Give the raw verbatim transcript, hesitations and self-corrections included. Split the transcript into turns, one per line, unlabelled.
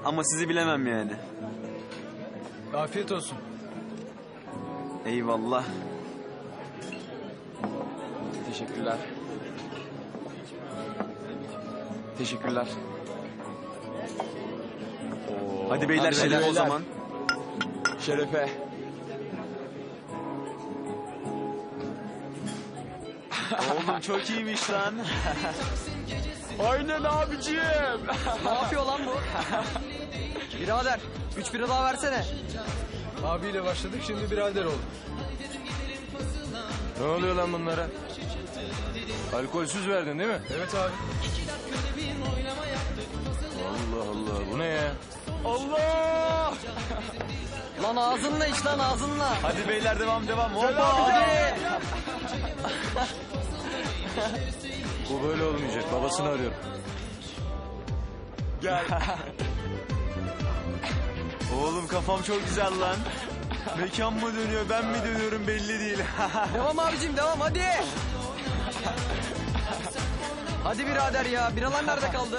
ama sizi bilemem yani.
Afiyet olsun.
Eyvallah.
Teşekkürler. Teşekkürler. Oo,
Hadi beyler
hadi
şerefe o
beyler.
zaman.
Şerefe.
Oğlum çok iyiymiş lan.
Aynen abiciğim.
Ne yapıyor lan bu? Birader, üç bira daha versene.
Abiyle başladık, şimdi birader olduk.
Ne oluyor lan bunlara? Alkolsüz verdin değil mi?
Evet abi.
Allah Allah, bu ne ya?
Allah.
Lan ağzınla iç lan ağzınla.
Hadi beyler devam devam. Hoppa.
Hadi.
Bu böyle olmayacak, babasını arıyorum.
Gel.
Oğlum kafam çok güzel lan. Mekan mı dönüyor ben mi dönüyorum belli değil.
Devam abicim devam hadi. Hadi birader ya, biralar nerede kaldı?